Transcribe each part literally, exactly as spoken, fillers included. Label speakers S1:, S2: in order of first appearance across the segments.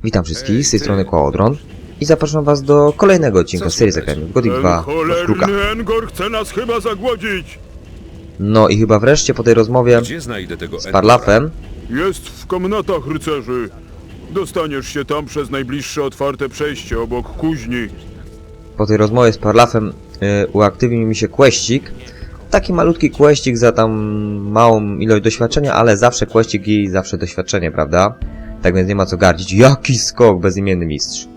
S1: Witam wszystkich, z tej strony Kołodron i zapraszam was do kolejnego odcinka serii Zagrajmy w Gothic dwa w Kruka.
S2: Engor chce nas chyba zagłodzić.
S1: No i chyba wreszcie po tej rozmowie
S3: Gdzie znajdę tego
S1: z Parlafem,
S2: Jest w komnatach rycerzy. Dostaniesz się tam przez najbliższe otwarte przejście obok kuźni.
S1: po tej rozmowie z Parlafem yy, uaktywnił mi się questik. Taki malutki questik za tam małą ilość doświadczenia, ale zawsze questik i zawsze doświadczenie, prawda? Tak więc nie ma co gardzić. Jaki skok, bezimienny mistrz.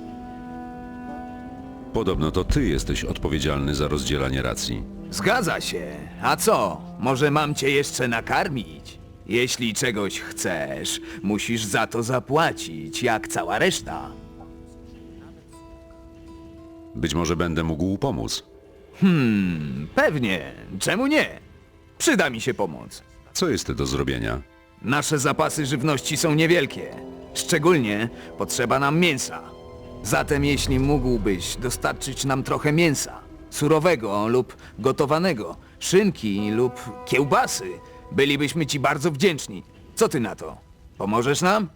S3: Podobno to ty jesteś odpowiedzialny za rozdzielanie racji.
S4: Zgadza się. A co? Może mam cię jeszcze nakarmić? Jeśli czegoś chcesz, musisz za to zapłacić, jak cała reszta.
S3: Być może będę mógł pomóc.
S4: Hmm, pewnie. Czemu nie? Przyda mi się pomoc.
S3: Co jest do zrobienia?
S4: Nasze zapasy żywności są niewielkie. Szczególnie potrzeba nam mięsa. Zatem jeśli mógłbyś dostarczyć nam trochę mięsa, surowego lub gotowanego, szynki lub kiełbasy, bylibyśmy ci bardzo wdzięczni. Co ty na to? Pomożesz nam?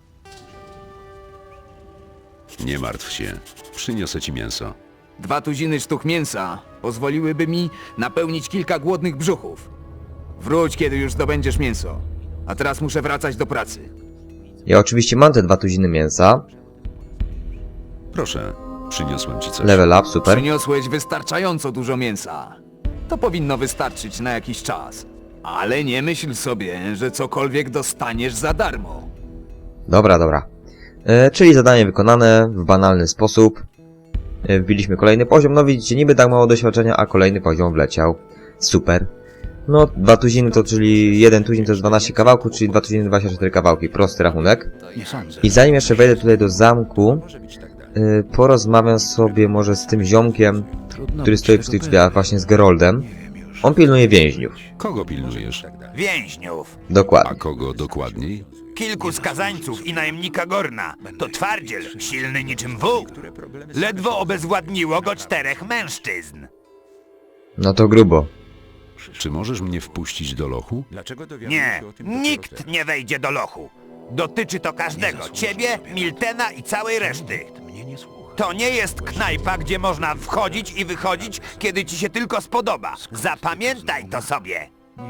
S3: Nie martw się. Przyniosę ci mięso.
S4: Dwa tuziny sztuk mięsa pozwoliłyby mi napełnić kilka głodnych brzuchów. Wróć, kiedy już zdobędziesz mięso. A teraz muszę wracać do pracy.
S1: Ja oczywiście mam te dwa tuziny mięsa.
S3: Proszę, przyniosłem ci coś.
S1: Level up, super.
S4: Przyniosłeś wystarczająco dużo mięsa. To powinno wystarczyć na jakiś czas. Ale nie myśl sobie, że cokolwiek dostaniesz za darmo.
S1: Dobra, dobra. E, czyli zadanie wykonane w banalny sposób. E, wbiliśmy kolejny poziom. No widzicie, niby tak mało doświadczenia, a kolejny poziom wleciał. Super. No, dwa tuziny to, czyli jeden tuzin to jest dwanaście kawałków, czyli dwa tuziny dwadzieścia cztery kawałki. Prosty rachunek. I zanim jeszcze wejdę tutaj do zamku, e, porozmawiam sobie może z tym ziomkiem, który stoi przy tych drzwiach, właśnie z Geroldem. On pilnuje więźniów.
S3: Kogo pilnujesz?
S5: Więźniów.
S3: A
S1: Dokładnie.
S3: kogo dokładniej?
S5: Kilku skazańców i najemnika Gorna. To twardziel, silny niczym wół. Ledwo obezwładniło go czterech mężczyzn.
S1: No to grubo.
S3: Czy możesz mnie wpuścić do lochu?
S5: Nie, nikt nie wejdzie do lochu. Dotyczy to każdego. Ciebie, Miltena i całej reszty. To nie jest knajpa, gdzie można wchodzić i wychodzić, kiedy ci się tylko spodoba. Zapamiętaj to sobie.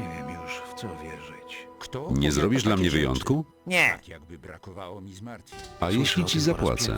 S3: Nie zrobisz dla mnie wyjątku?
S5: Nie,
S3: A jeśli ci zapłacę?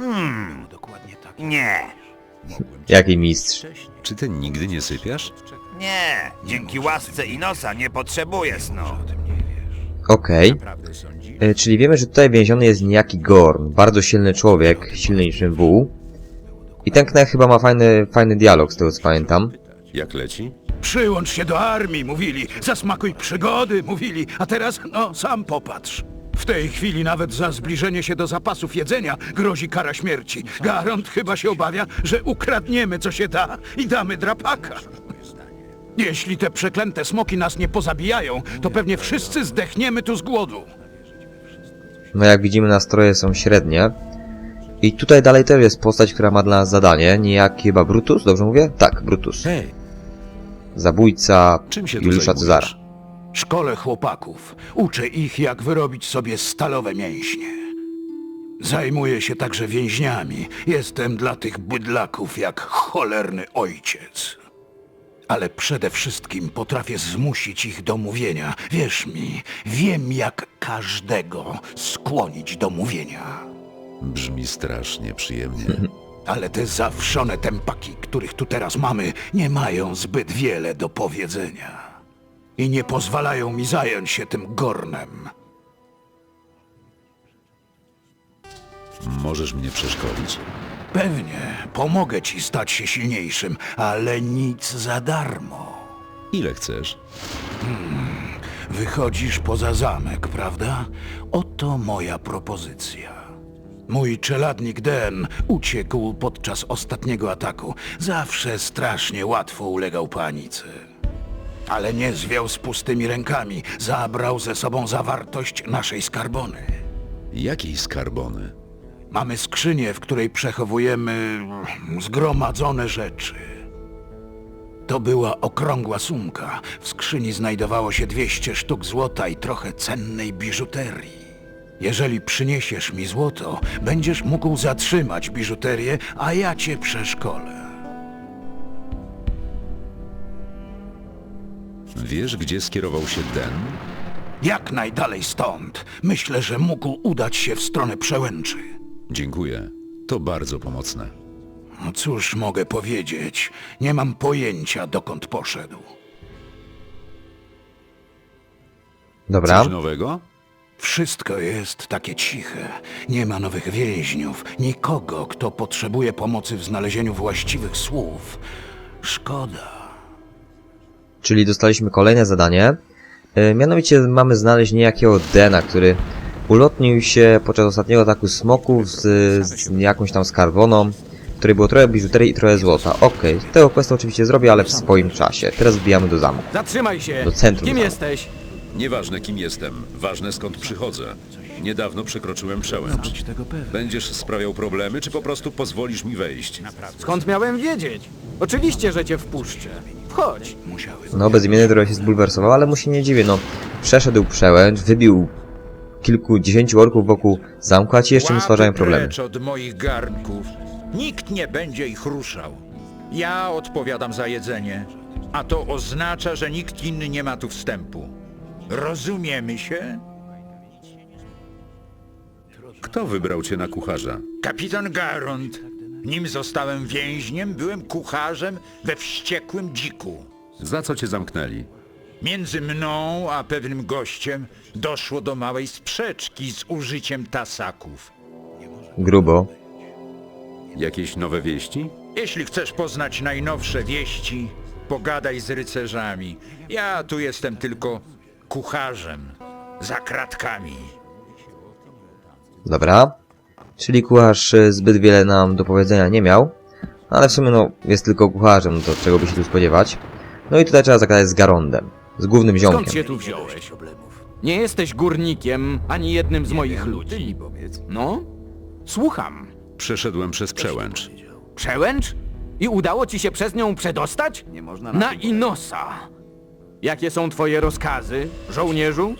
S5: nie,
S1: Jaki mistrz.
S3: Czy ty nigdy nie sypiasz?
S5: nie. Dzięki łasce Inosa nie potrzebuję snu.
S1: Okej. E, Czyli wiemy, że tutaj więziony jest niejaki Gorn. Bardzo silny człowiek, silny niczym wół. I ten knech chyba ma fajny, fajny dialog, z tego co pamiętam.
S3: Jak leci?
S2: Przyłącz się do armii, mówili. Zasmakuj przygody, mówili. A teraz, no, sam popatrz. W tej chwili nawet za zbliżenie się do zapasów jedzenia grozi kara śmierci. Garant chyba się obawia, że ukradniemy co się da i damy drapaka. Jeśli te przeklęte smoki nas nie pozabijają, to pewnie wszyscy zdechniemy tu z głodu.
S1: No jak widzimy, nastroje są średnie. I tutaj dalej też jest postać, która ma dla nas zadanie. Niejaki chyba Brutus, dobrze mówię? Tak, Brutus.
S3: Hej,
S1: Zabójca
S3: czym się tu
S1: Juliusza Cezara.
S3: zajmujesz?
S2: Szkole chłopaków. Uczę ich, jak wyrobić sobie stalowe mięśnie. Zajmuję się także więźniami. Jestem dla tych bydlaków jak cholerny ojciec. Ale przede wszystkim potrafię zmusić ich do mówienia. Wierz mi, wiem jak każdego skłonić do mówienia.
S3: Brzmi strasznie przyjemnie.
S2: Ale te zawszone tempaki, których tu teraz mamy, nie mają zbyt wiele do powiedzenia. I nie pozwalają mi zająć się tym Gornem.
S3: Możesz mnie przeszkolić?
S2: Pewnie, pomogę ci stać się silniejszym, ale nic za darmo.
S3: Ile chcesz?
S2: Wychodzisz poza zamek, prawda? Oto moja propozycja. Mój czeladnik Den uciekł podczas ostatniego ataku. Zawsze strasznie łatwo ulegał panice. Ale nie zwiał z pustymi rękami. Zabrał ze sobą zawartość naszej skarbony.
S3: Jakiej skarbony?
S2: Mamy skrzynię, w której przechowujemy zgromadzone rzeczy. To była okrągła sumka. W skrzyni znajdowało się dwieście sztuk złota i trochę cennej biżuterii. Jeżeli przyniesiesz mi złoto, będziesz mógł zatrzymać biżuterię, a ja cię przeszkolę.
S3: Wiesz, gdzie skierował się Den?
S2: Jak najdalej stąd. Myślę, że mógł udać się w stronę przełęczy.
S3: Dziękuję. To bardzo pomocne.
S2: No cóż mogę powiedzieć? Nie mam pojęcia, dokąd poszedł.
S1: Dobra.
S3: Coś nowego?
S2: Wszystko jest takie ciche. Nie ma nowych więźniów, nikogo, kto potrzebuje pomocy w znalezieniu właściwych słów. Szkoda.
S1: Czyli dostaliśmy kolejne zadanie. E, mianowicie mamy znaleźć niejakiego Dena, który ulotnił się podczas ostatniego ataku smoków z, z jakąś tam skarboną, w której było trochę biżuterii i trochę złota. Okej, okay. Tego questa oczywiście zrobię, ale w swoim czasie. Teraz wbijamy do zamku.
S4: Zatrzymaj się!
S1: Do centrum
S4: Kim
S1: zamku.
S4: jesteś?
S3: Nieważne kim jestem, ważne skąd przychodzę. Niedawno przekroczyłem przełęcz. Będziesz sprawiał problemy, czy po prostu pozwolisz mi wejść?
S4: Skąd miałem wiedzieć? Oczywiście, że cię wpuszczę. Wchodź.
S1: No, bezimienny trochę się zbulwersował, ale mu się nie dziwię, no. Przeszedł przełęcz, wybił kilkudziesięciu orków wokół zamku, a ci jeszcze mu stwarzają problemy.
S6: Precz od moich garnków. Nikt nie będzie ich ruszał. Ja odpowiadam za jedzenie, a to oznacza, że nikt inny nie ma tu wstępu. Rozumiemy się?
S3: Kto wybrał cię na kucharza?
S6: Kapitan Garond. Nim zostałem więźniem, byłem kucharzem we wściekłym dziku.
S3: Za co cię zamknęli?
S6: Między mną a pewnym gościem doszło do małej sprzeczki z użyciem tasaków.
S1: Grubo.
S3: Jakieś nowe wieści?
S6: Jeśli chcesz poznać najnowsze wieści, pogadaj z rycerzami. Ja tu jestem tylko kucharzem, za kratkami.
S1: Dobra. Czyli kucharz e, zbyt wiele nam do powiedzenia nie miał. Ale w sumie no, jest tylko kucharzem, no to czego by się tu spodziewać. No i tutaj trzeba zagadać z Garondem. Z głównym
S4: Skąd
S1: ziomkiem.
S4: się tu wziąłeś? Nie jesteś górnikiem, ani jednym z moich ludzi. No? Słucham.
S3: Przeszedłem przez przełęcz.
S4: Przełęcz? I udało ci się przez nią przedostać? Nie można na Inosa. Jakie są twoje rozkazy, żołnierzu?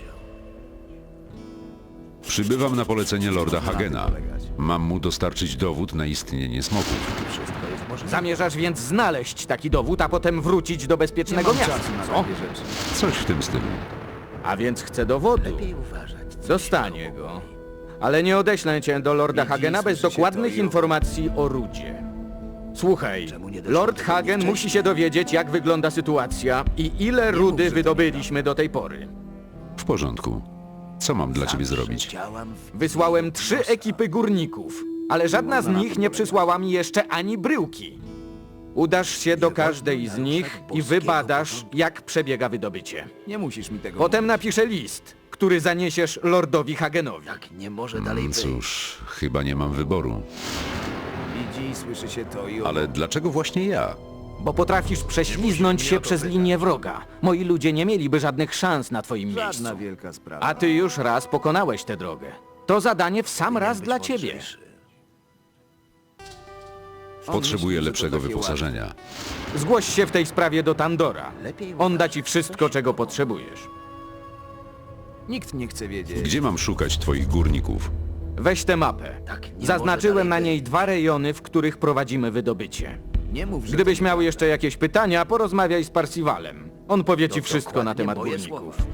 S3: Przybywam na polecenie lorda Hagena. Mam mu dostarczyć dowód na istnienie smoków.
S4: Zamierzasz więc znaleźć taki dowód, a potem wrócić do bezpiecznego miasta, co?
S3: Coś w tym stylu.
S4: A więc chcę dowodu. Dostanie go. Ale nie odeślę cię do Lorda Hagena bez dokładnych informacji o Rudzie. Słuchaj, Lord Hagen musi się dowiedzieć, jak wygląda sytuacja i ile rudy wydobyliśmy do tej pory.
S3: W porządku. Co mam dla ciebie zrobić?
S4: Wysłałem trzy ekipy górników, ale żadna z nich nie przysłała mi jeszcze ani bryłki. Udasz się do każdej z nich i wybadasz, jak przebiega wydobycie.
S7: Nie musisz mi tego
S4: Potem napiszę list, który zaniesiesz Lordowi Hagenowi.
S7: mówić. Nie może dalej
S3: Mm,
S7: być.
S3: Cóż, chyba nie mam wyboru.
S7: Widzi, słyszy się to i
S3: Ale dlaczego właśnie ja?
S4: Bo potrafisz prześliznąć się przez linię wroga. Moi ludzie nie mieliby żadnych szans na twoim miejscu.
S7: żadna wielka sprawa.
S4: A ty już raz pokonałeś tę drogę. To zadanie w sam raz dla ciebie.
S3: Potrzebuję lepszego wyposażenia.
S4: Zgłoś się w tej sprawie do Tandora. On da ci wszystko, czego potrzebujesz.
S7: Nikt nie chce wiedzieć.
S3: Gdzie mam szukać twoich górników?
S4: Weź tę mapę.
S7: Tak, nie
S4: Zaznaczyłem
S7: może
S4: na
S7: dalej
S4: niej dwa rejony, w których prowadzimy wydobycie.
S7: Nie mów, że
S4: Gdybyś miał jeszcze jakieś pytania, porozmawiaj z Parsivalem. On powie ci wszystko na
S7: dokładnie
S4: temat
S7: moje
S4: górników.
S7: słowa.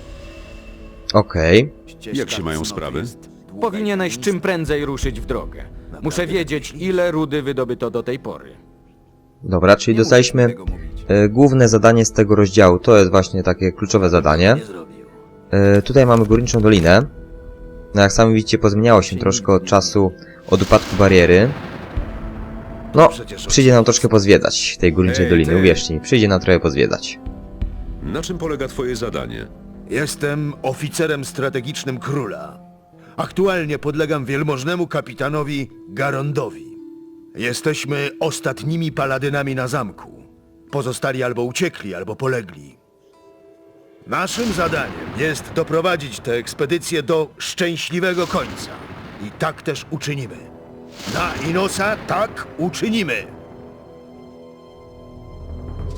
S1: Okej.
S7: Ścieżka
S3: Jak się mają
S7: cnoty
S3: sprawy?
S7: jest długa
S4: Powinieneś
S7: i
S4: czym prędzej ruszyć w drogę. Muszę wiedzieć, ile rudy wydobyto do tej pory.
S1: Dobra, czyli dostaliśmy
S7: tego mówić.
S1: e, główne zadanie z tego rozdziału. To jest właśnie takie kluczowe zadanie.
S7: Nie zrobił.
S1: E, tutaj mamy Górniczą Dolinę. No jak sami widzicie, pozmieniało się troszkę od czasu od upadku bariery. No, przyjdzie nam troszkę pozwiedzać tej Górniczej
S3: Ej,
S1: Doliny,
S3: ty!
S1: uwierzcie mi, przyjdzie nam trochę pozwiedzać.
S3: Na czym polega twoje zadanie?
S8: Jestem oficerem strategicznym króla. Aktualnie podlegam wielmożnemu kapitanowi Garondowi. Jesteśmy ostatnimi paladynami na zamku. Pozostali albo uciekli, albo polegli. Naszym zadaniem jest doprowadzić tę ekspedycję do szczęśliwego końca. I tak też uczynimy. Na Inosa tak uczynimy.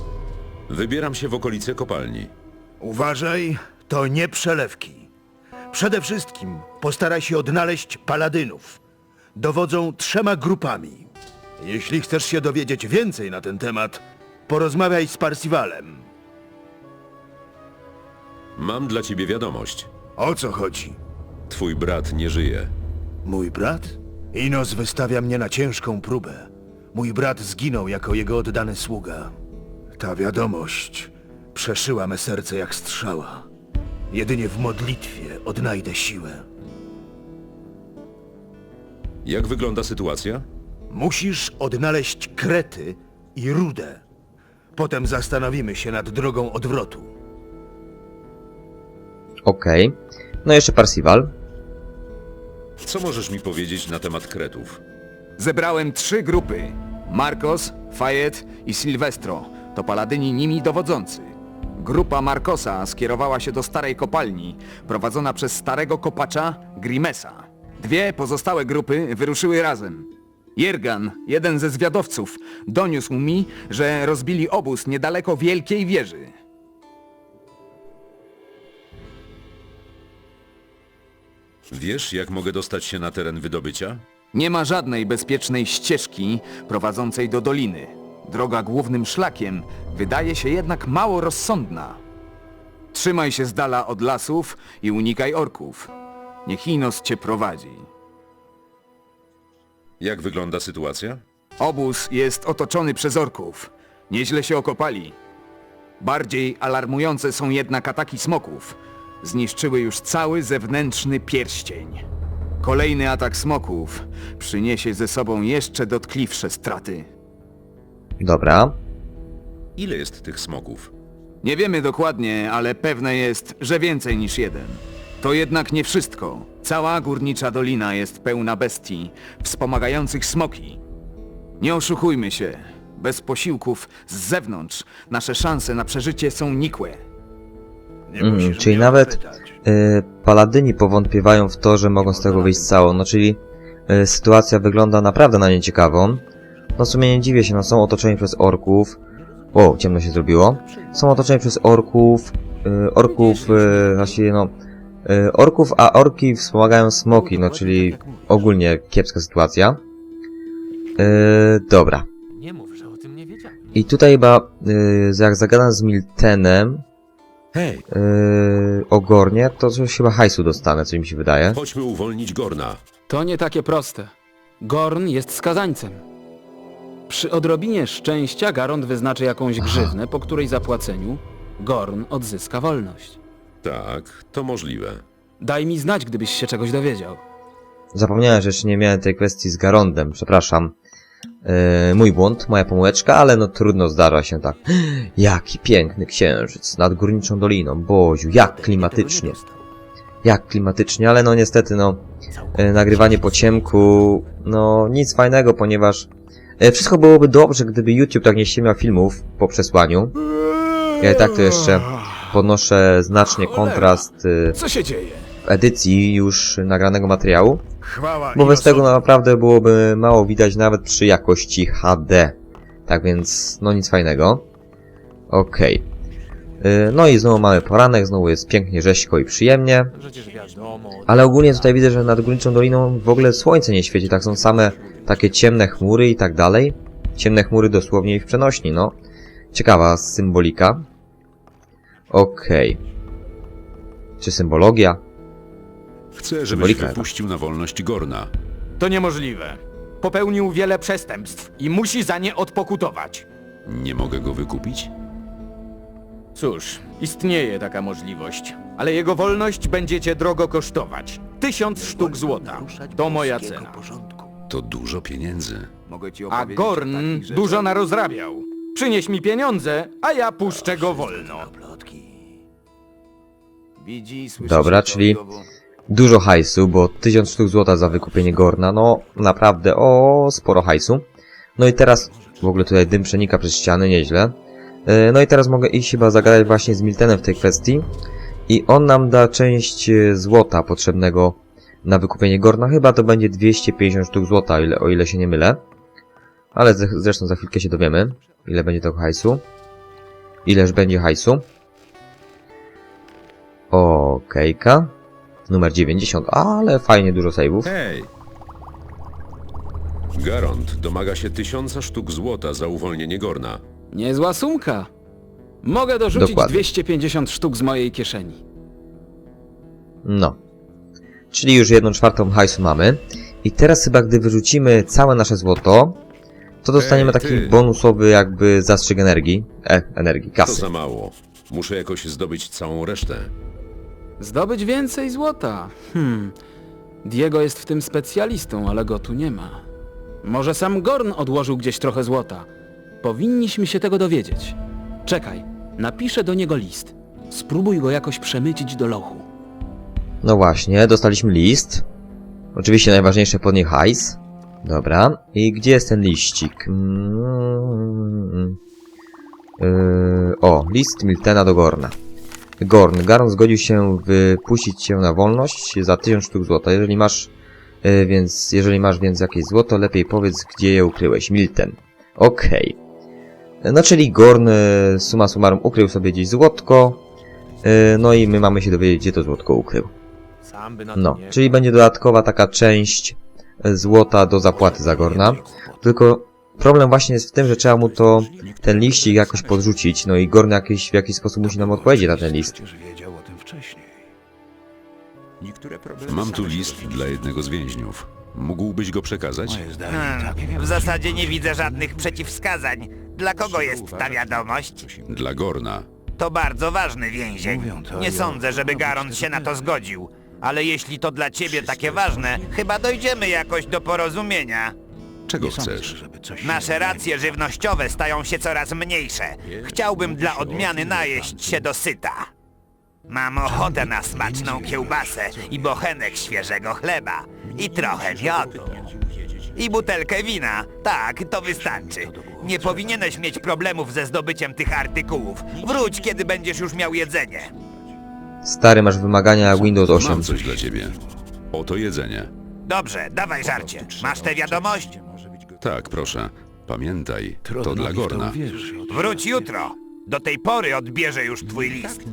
S3: Wybieram się w okolice kopalni.
S8: Uważaj, to nie przelewki. Przede wszystkim postaraj się odnaleźć paladynów. Dowodzą trzema grupami. Jeśli chcesz się dowiedzieć więcej na ten temat, porozmawiaj z Parsivalem.
S3: Mam dla ciebie wiadomość.
S8: O co chodzi?
S3: Twój brat nie żyje.
S8: Mój brat? Inos wystawia mnie na ciężką próbę. Mój brat zginął jako jego oddany sługa. Ta wiadomość przeszyła me serce jak strzała. Jedynie w modlitwie odnajdę siłę.
S3: Jak wygląda sytuacja?
S8: Musisz odnaleźć Krety i Rudę. Potem zastanowimy się nad drogą odwrotu.
S1: Okej. No jeszcze Parsival.
S3: Co możesz mi powiedzieć na temat Kretów?
S4: Zebrałem trzy grupy. Marcos, Fayet i Silvestro. To paladyni nimi dowodzący. Grupa Marcosa skierowała się do starej kopalni, prowadzona przez starego kopacza Grimesa. Dwie pozostałe grupy wyruszyły razem. Jergan, jeden ze zwiadowców, doniósł mi, że rozbili obóz niedaleko Wielkiej Wieży.
S3: Wiesz, jak mogę dostać się na teren wydobycia?
S4: Nie ma żadnej bezpiecznej ścieżki prowadzącej do doliny. Droga głównym szlakiem wydaje się jednak mało rozsądna. Trzymaj się z dala od lasów i unikaj orków. Niech Inos cię prowadzi.
S3: Jak wygląda sytuacja?
S4: Obóz jest otoczony przez orków. Nieźle się okopali. Bardziej alarmujące są jednak ataki smoków. Zniszczyły już cały zewnętrzny pierścień. Kolejny atak smoków przyniesie ze sobą jeszcze dotkliwsze straty.
S1: Dobra.
S3: Ile jest tych smoków?
S4: Nie wiemy dokładnie, ale pewne jest, że więcej niż jeden. To jednak nie wszystko. Cała górnicza dolina jest pełna bestii, wspomagających smoki. Nie oszukujmy się. Bez posiłków z zewnątrz nasze szanse na przeżycie są nikłe.
S8: Nie
S1: Mm,
S8: musisz
S1: czyli
S8: mnie
S1: nawet
S8: pytać.
S1: y, paladyni powątpiewają w to, że mogą z tego wyjść cało. No czyli y, sytuacja wygląda naprawdę na nieciekawą. No w sumie nie dziwię się, no są otoczeni przez orków. O, ciemno się zrobiło. Są otoczeni przez orków. Y, orków, y, właściwie no... Y, orków, a orki wspomagają smoki, no czyli ogólnie kiepska sytuacja. Y, dobra.
S7: Nie mów, że o tym nie wiedziałem.
S1: I tutaj chyba, y, jak zagadam z Miltenem,
S3: Hej,
S1: Yy, ogarnie, to coś chyba hajsu dostanę, co mi się wydaje.
S3: chodźmy uwolnić Gorna.
S9: To nie takie proste. Gorn jest skazańcem. Przy odrobinie szczęścia Garond wyznaczy jakąś grzywnę, po której zapłaceniu Gorn odzyska wolność.
S3: Tak, to możliwe.
S9: Daj mi znać, gdybyś się czegoś dowiedział.
S1: Zapomniałem, że jeszcze nie miałem tej kwestii z Garondem, przepraszam. Yy, mój błąd, moja pomyłeczka, ale no trudno, zdarza się tak. Jaki piękny księżyc nad górniczą doliną, Boziu, jak klimatycznie. Jak klimatycznie, ale no niestety no, yy, nagrywanie po ciemku, no nic fajnego, ponieważ yy, wszystko byłoby dobrze, gdyby YouTube tak nie ściemiał filmów po przesłaniu. Ja i tak to jeszcze podnoszę znacznie kontrast yy,
S4: Co się dzieje?
S1: w edycji już nagranego materiału.
S8: Chwała
S1: Bo bez
S8: Inosowi.
S1: tego naprawdę byłoby mało widać nawet przy jakości H D. Tak więc, no nic fajnego. Okej. Yy, no i znowu mamy poranek, znowu jest pięknie, rzeźko i przyjemnie.
S7: Przecież wiadomo.
S1: Ale ogólnie tutaj widzę, że nad Górniczą Doliną w ogóle słońce nie świeci, tak są same takie ciemne chmury i tak dalej. Ciemne chmury dosłownie i w przenośni, no. Ciekawa symbolika. Okej. Czy symbologia?
S3: Chcę, żebyś
S1: Symbolika.
S3: wypuścił na wolność Gorna.
S5: To niemożliwe. Popełnił wiele przestępstw i musi za nie odpokutować.
S3: Nie mogę go wykupić?
S5: Cóż, istnieje taka możliwość, ale jego wolność będzie cię drogo kosztować. Tysiąc sztuk złota. To moja cena.
S3: To dużo pieniędzy.
S4: Mogę ci
S5: A
S4: opowiedzieć o
S5: Gorn
S4: takich rzeczach.
S5: dużo narozrabiał. Przynieś mi pieniądze, a ja puszczę go wolno.
S4: Widzi, słyszy
S1: Dobra,
S4: się to
S1: czyli
S4: i owo.
S1: dużo hajsu, bo tysiąc sztuk złota za wykupienie Gorna, no naprawdę, o sporo hajsu. No i teraz, w ogóle tutaj dym przenika przez ściany, nieźle. Yy, No i teraz mogę iść chyba zagadać właśnie z Miltenem w tej kwestii. I on nam da część e, złota potrzebnego na wykupienie Gorna. Chyba to będzie dwieście pięćdziesiąt sztuk złota, o ile, o ile się nie mylę. Ale ze- zresztą za chwilkę się dowiemy, ile będzie tego hajsu. Ileż będzie hajsu. Okejka. numer dziewięćdziesiąt, ale fajnie dużo save'ów.
S3: Hej! Garond domaga się tysiąca sztuk złota za uwolnienie Gorna.
S9: Niezła sumka. Mogę dorzucić
S1: Dokładnie.
S9: dwieście pięćdziesiąt sztuk z mojej kieszeni.
S1: No. Czyli już jedną czwartą hajsu mamy. I teraz chyba gdy wyrzucimy całe nasze złoto, to dostaniemy
S3: Ej,
S1: taki
S3: ty.
S1: bonusowy jakby zastrzyk energii. E, energii,
S3: To
S1: kasy.
S3: za mało. Muszę jakoś zdobyć całą resztę.
S9: Zdobyć więcej złota. Hmm. Diego jest w tym specjalistą, ale go tu nie ma. Może sam Gorn odłożył gdzieś trochę złota. Powinniśmy się tego dowiedzieć. Czekaj, napiszę do niego list. Spróbuj go jakoś przemycić do lochu.
S1: No właśnie, dostaliśmy list. Oczywiście najważniejsze podnie hajs. Dobra. I gdzie jest ten liścik? Mm, yy, o, list Miltena do Gorna. Gorn. Garn zgodził się wypuścić cię na wolność za tysiąc sztuk złota. Jeżeli masz yy, więc, jeżeli masz więc jakieś złoto, lepiej powiedz, gdzie je ukryłeś. Milten. Okej. No czyli Gorn, yy, summa summarum, ukrył sobie gdzieś złotko. Yy, no i my mamy się dowiedzieć, gdzie to złotko ukrył.
S7: Sam by na to
S1: No,
S7: nie...
S1: czyli będzie dodatkowa taka część e, złota do zapłaty za Gorna. Tylko problem właśnie jest w tym, że trzeba mu to, ten liścik jakoś podrzucić, no i Gorn jakiś, w jakiś sposób musi nam odpowiedzieć na ten list.
S2: Przecież wiedział o tym wcześniej.
S6: Niektóre problemy
S3: Mam tu
S6: same się
S3: list
S6: rozwiążą.
S3: dla jednego z więźniów. Mógłbyś go przekazać?
S2: Moje zdanie
S5: Hmm,
S2: takie
S5: w zasadzie nie widzę żadnych przeciwwskazań. Dla kogo jest ta wiadomość?
S3: Dla Gorna.
S5: To bardzo ważny więzień.
S2: Mówią to
S5: Nie
S2: i
S5: sądzę,
S2: o-
S5: żeby
S2: no,
S5: Garond
S2: być
S5: się na
S2: tego
S5: to
S2: pewny.
S5: zgodził. Ale jeśli to dla ciebie takie ważne, chyba dojdziemy jakoś do porozumienia.
S3: Czego
S2: Nie sądzę,
S3: chcesz?
S2: żeby coś
S5: Nasze
S2: się
S5: racje żywnościowe stają się coraz mniejsze. Chciałbym dla odmiany najeść się dosyta. Mam ochotę na smaczną kiełbasę i bochenek świeżego chleba. I trochę miodu. I butelkę wina. Tak, to wystarczy. Nie powinieneś mieć problemów ze zdobyciem tych artykułów. Wróć, kiedy będziesz już miał jedzenie.
S1: Stary, masz wymagania Windows osiem.
S3: Mam coś dla ciebie. Oto jedzenie.
S5: Dobrze, dawaj żarcie. Masz tę wiadomość?
S3: Tak, proszę. Pamiętaj, to
S2: Trudno
S3: dla
S2: mi w to
S3: Gorna.
S2: uwierzyć.
S5: Wróć jutro. Do tej pory odbierze już twój list.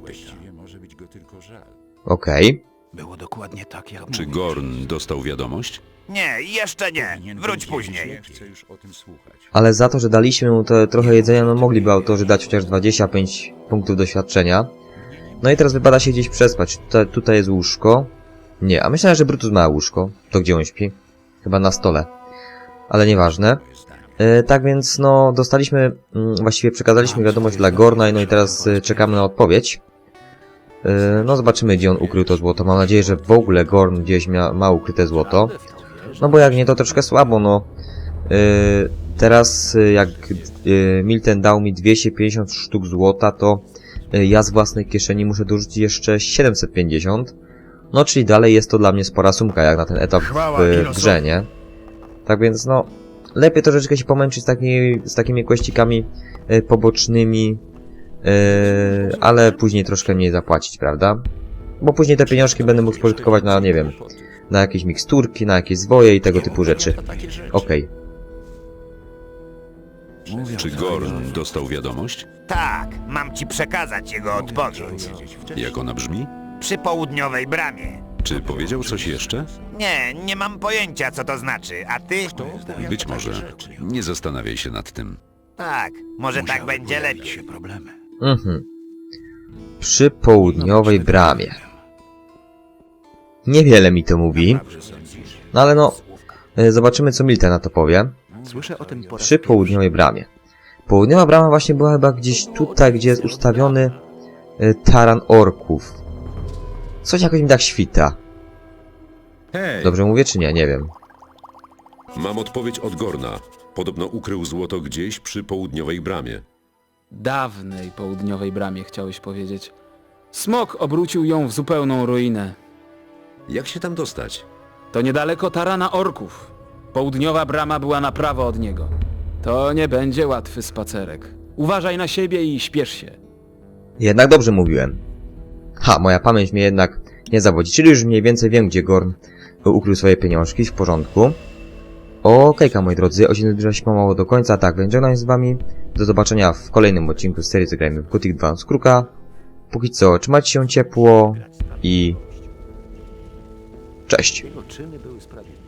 S1: Okej.
S2: Było dokładnie tak, jak
S3: Czy
S2: mówisz.
S3: Gorn dostał wiadomość?
S5: Nie, jeszcze nie. Wróć później.
S6: Chcę już o tym słuchać.
S1: Ale za to, że daliśmy mu te trochę jedzenia, no mogliby autorzy dać chociaż dwadzieścia pięć punktów doświadczenia. No i teraz wypada się gdzieś przespać. Tutaj, tutaj jest łóżko. Nie, a myślałem, że Brutus ma łóżko. To gdzie on śpi? Chyba na stole. Ale nieważne. E, tak więc, no, dostaliśmy, mm, właściwie przekazaliśmy wiadomość dla Gorna, no i teraz e, czekamy na odpowiedź. E, no, zobaczymy, gdzie on ukrył to złoto. Mam nadzieję, że w ogóle Gorn gdzieś mia, ma ukryte złoto. No bo jak nie, to troszkę słabo, no. E, teraz, e, jak e, Milten dał mi dwieście pięćdziesiąt sztuk złota, to e, ja z własnej kieszeni muszę dorzucić jeszcze siedemset pięćdziesiąt. No, czyli dalej jest to dla mnie spora sumka, jak na ten etap
S8: Chwała
S1: w, w
S8: Kilosowi.
S1: grze, nie? Tak więc, no, lepiej troszeczkę się pomęczyć z, taki, z takimi kłeścikami e, pobocznymi, e, ale później troszkę mniej zapłacić, prawda? Bo później te pieniążki będę mógł spożytkować na, nie wiem, na jakieś miksturki, na jakieś zwoje i tego typu rzeczy. Okej.
S2: Mówią
S3: Czy
S2: to i
S3: Gorn
S2: o-
S3: dostał wiadomość?
S5: Tak, mam ci przekazać jego odpowiedź.
S3: Jak ona brzmi?
S5: Przy południowej bramie.
S3: Czy powiedział coś jeszcze?
S5: Nie, nie mam pojęcia, co to znaczy. A ty?
S3: Być może. Nie zastanawiaj się nad tym.
S5: Tak, może tak
S2: Musiały
S5: będzie
S2: pojawić
S5: lepiej.
S2: się problemy.
S1: Mhm. Przy południowej bramie. Niewiele mi to mówi. No ale no, e, zobaczymy co Milten na to powie.
S2: Słyszę o tym po raz
S1: Przy południowej bramie. Południowa brama właśnie była chyba gdzieś tutaj, gdzie jest ustawiony e, taran orków. Coś jakoś mi tak świta.
S6: Hej,
S1: Dobrze mówię czy nie? Nie wiem.
S3: Mam odpowiedź od Gorna. Podobno ukrył złoto gdzieś przy południowej bramie.
S9: Dawnej południowej bramie, chciałeś powiedzieć. Smok obrócił ją w zupełną ruinę.
S3: Jak się tam dostać?
S9: To niedaleko tarana orków. Południowa brama była na prawo od niego. To nie będzie łatwy spacerek. Uważaj na siebie i śpiesz się.
S1: Jednak dobrze mówiłem. Ha, moja pamięć mnie jednak nie zawodzi, czyli już mniej więcej wiem, gdzie Gorn ukrył swoje pieniążki, w porządku. Okejka, moi drodzy, odcinek zbliża się pomału do końca, tak, więc żegnam się z wami. Do zobaczenia w kolejnym odcinku z serii Zagrajmy w Gothic dwa z Kruka. Póki co, trzymajcie się ciepło i Cześć!
S7: Jego czyny były sprawiedliwe.